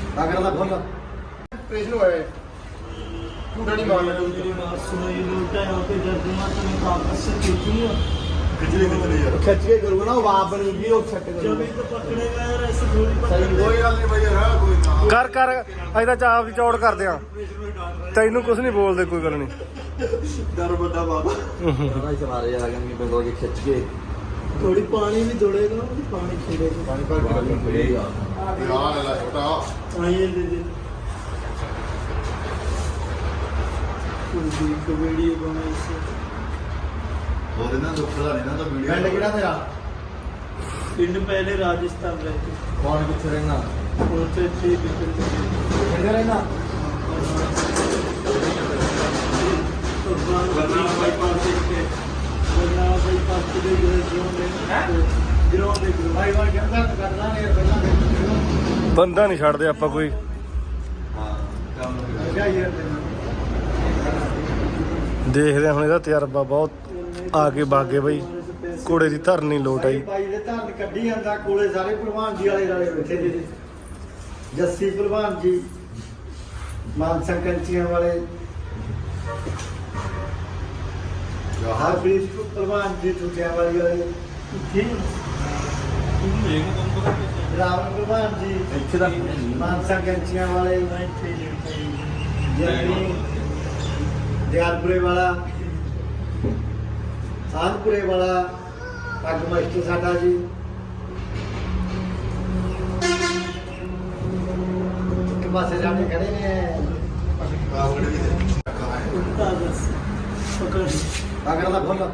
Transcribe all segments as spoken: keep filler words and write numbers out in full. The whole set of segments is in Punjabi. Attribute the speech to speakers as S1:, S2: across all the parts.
S1: ਅਗਰ ਦਾ ਫੁੱਲ ਪ੍ਰੇਸ਼ਨ ਹੋਇਆ ਝੂਠਾ ਨਹੀਂ ਮਾਰਨਾ
S2: मेरी बात सुनो ये लोटा यहाँ पे दर्द हुआ तो मैं वापस से खींची है
S1: ਖਿਚੜੀ ਖਿਚੜੀ ਯਾਰ
S3: ਖਿੱਚ ਕੇ ਕਰੂਗਾ ਨਾ ਉਹ ਆਪ ਬਣੂਗੀ ਉਹ ਛੱਟ
S2: जब
S3: ਕਰੂਗਾ
S2: तो पकड़ेगा यार ऐसे थोड़ी
S3: सही
S2: पकड़ेगा
S1: ਕੋਈ ਗੱਲ ਨਹੀਂ ਬਈ ਯਾਰ ਕੋਈ ਨਾ
S4: ਕਰ ਕਰ ਅਸੀਂ ਤਾਂ ਚਾਪ ਦੀ ਚੌੜ ਕਰਦੇ ਆ ਤੈਨੂੰ ਕੁਝ ਨਹੀਂ ਬੋਲਦੇ ਕੋਈ ਗੱਲ ਨਹੀਂ
S3: ਡਰ ਵੱਡਾ ਬਾਬਾ ਨਾ ਸਵਾਰੇ ਆ ਗਏ ਬੰਦੋ ਕੇ ਖਿੱਚ ਕੇ
S2: थोड़ी पानी भी दौड़ेगा पानी खेलेगा
S1: ਪਾਣੀ ਭਰ ਕੇ
S3: ਪਾਣੀ ਫੜੇਗਾ
S1: ਯਾਰ ਲੈ ਛੋਟਾ
S2: हाँ ये दे दे कोई वीडियो बनाई से
S1: ਹੋਰ ਇਹਨਾਂ ਦੁੱਖ ਦਾ ਨਹੀਂ ਨਾ ਤਾਂ ਵੀਡੀਓ
S3: ਪਿੰਡ ਕਿਹੜਾ ਤੇਰਾ
S2: पिंड पहले राजस्थान रहते
S3: ਕੌਣ ਕਿੱਥੇ ਰਹਿਣਾ
S2: पहुंचे थे पिंड
S3: ਕਿੱਥੇ ਰਹਿਣਾ
S2: बाईपास के बाईपास के ग्राउंड ग्राउंड
S1: ਭਾਈ ਵਾਰ ਕਹਿੰਦਾ ਕਰਦਾ ਨੇ ਯਾਰ ਪਹਿਲਾਂ
S4: ਬੰਦਾ ਨਹੀਂ ਛੱਡਦੇ ਆਪਾਂ ਕੋਈ
S3: ਹਾਂ ਕੰਮ
S1: ਅੱਛਾ ਯਾਰ
S4: ਦੇਖਦੇ ਹਾਂ ਹੁਣ ਇਹਦਾ ਤਜਰਬਾ ਬਹੁਤ ਆ ਕੇ ਬਾਗੇ ਬਈ ਘੋੜੇ ਦੀ ਧਰਨੀ ਲੋਟ ਆਈ
S1: ਭਾਈ ਦੇ ਧਰਨ ਕੱਢੀ ਜਾਂਦਾ ਕੋਲੇ ਸਾਰੇ ਭਲਵਾਨ ਜੀ ਵਾਲੇ ਵਾਲੇ ਬੈਠੇ ਜੀ ਜੱਸੀ ਭਲਵਾਨ ਜੀ ਮਾਨਸਾ ਕੰਚੀਆਂ ਵਾਲੇ ਹਰਪ੍ਰੀਤ ਭਲਵਾਨ ਜੀ ਟੁੱਟਿਆਂ ਵਾਲੀ ਵਾਲੇ ਰਾਵਣ ਭਲਵਾਨ ਜੀ
S3: ਇੱਥੇ ਦਾ
S1: ਮਾਨਸਾ ਕੰਚੀਆਂ ਵਾਲੇ ਜੈਨੀ ਦਿਆਲਪੁਰੇ ਵਾਲਾ ਸਾਧਪੁਰੇ ਵਾਲਾ ਪੱਗ ਮਾਸਟਰ ਸਾਡਾ ਜੀ ਇੱਕ ਪਾਸੇ ਜਾਣੇ ਖੜੇ ਨੇ
S2: उल्टा बस पकड़
S1: ਅਗਰ ਦਾ ਫੁੱਲ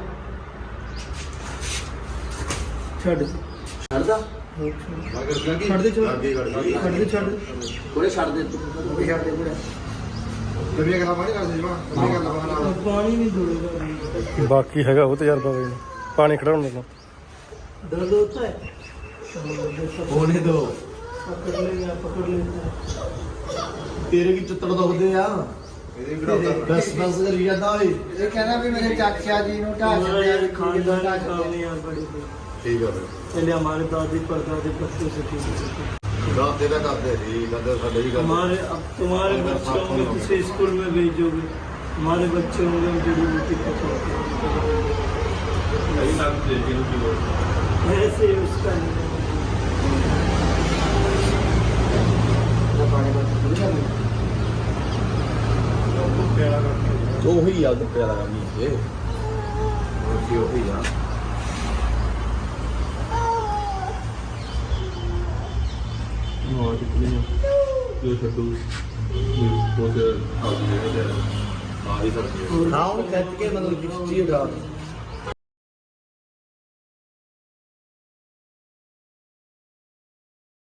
S2: छड़
S3: ਛੱਡਦਾ
S1: ਛੱਡ ਦੇ ਛੱਡ ਦੇ ਛੱਡ ਦੇ ਛੱਡ ਦੇ
S3: ਕੋਲੇ ਛੱਡ ਦੇ ਤੂੰ
S1: ਉਹ ਵੀ ਛੱਡ ਦੇ ਬੁੜਾ ਕਮੀਆਂ ਕਰਨਾ ਪਾਣੀ ਕਰ ਦੇ ਜਮਾ ਕਮੀਆਂ ਕਰਨਾ ਪਾਣਾ
S2: पानी नहीं दौड़ेगा
S4: ਬਾਕੀ ਹੈਗਾ ਉਹ ਤਜਰਬਾ ਬਈ ਪਾਣੀ ਖੜਾਉਣ ਦਾ
S2: दर्द होता है
S3: ਹੋਣੇ ਦੋ
S2: पकड़ लेगा पकड़ लेता है
S3: ਤੇਰੇ ਕੀ ਚੁੱਤੜ ਦੁਖਦੇ ਆ
S1: ਇਹਦੇ ਵੀ
S3: ਬਸ ਬਸ ਕਰੀ ਜਾਂਦਾ ਓਏ
S1: ਇਹ ਕਹਿੰਦਾ ਵੀ ਮੇਰੇ ਚਾਚਾ ਜੀ ਨੂੰ ਢਾਹ
S2: हमारा
S1: ਛੱਡਿਆ
S2: यार
S1: ਵੀ
S2: खानदानी
S1: ਢਾਹ
S2: काम
S1: ਛੱਡਿਆ
S2: नहीं यार बड़े थे
S1: ਠੀਕ ਆ ਫਿਰ
S2: पहले हमारे दादी परदादी पत्तों से ठीक
S1: ਦਾਦੇ ਦਾ ਕਰਦੇ ਸੀ ਦਾਦੇ ਸਾਡੇ ਵੀ ਕਰਦੇ
S2: हमारे अब तुम्हारे बच्चे होंगे किसी स्कूल में भेजोगे हमारे बच्चे होंगे हम जड़ी बूटी पकड़ते ऐसे ही उसका नहीं
S1: ਪਾਣੀ ਬਸ ਪੂਰੀ ਕਰ ਲਈ
S3: ਉਹੀ ਆ ਦੁੱਪੇ ਵਾਲਾ ਕੰਮ ਹੀ ਇਹ ਉਹੀ ਉਹੀ ਆ
S5: ਹਾਂ ਕਿਤਨੇ ਜੋ ਛੱਡੂ ਉਹ ਤੇ ਆ ਜੀ ਜਿਹੜੇ ਆ ਹੀ ਸਕਦੇ
S3: ਹਾਂ ਉਹ ਖਿੱਚ ਕੇ ਮਤਲਬ ਖਿੱਚੀ ਉਡਾ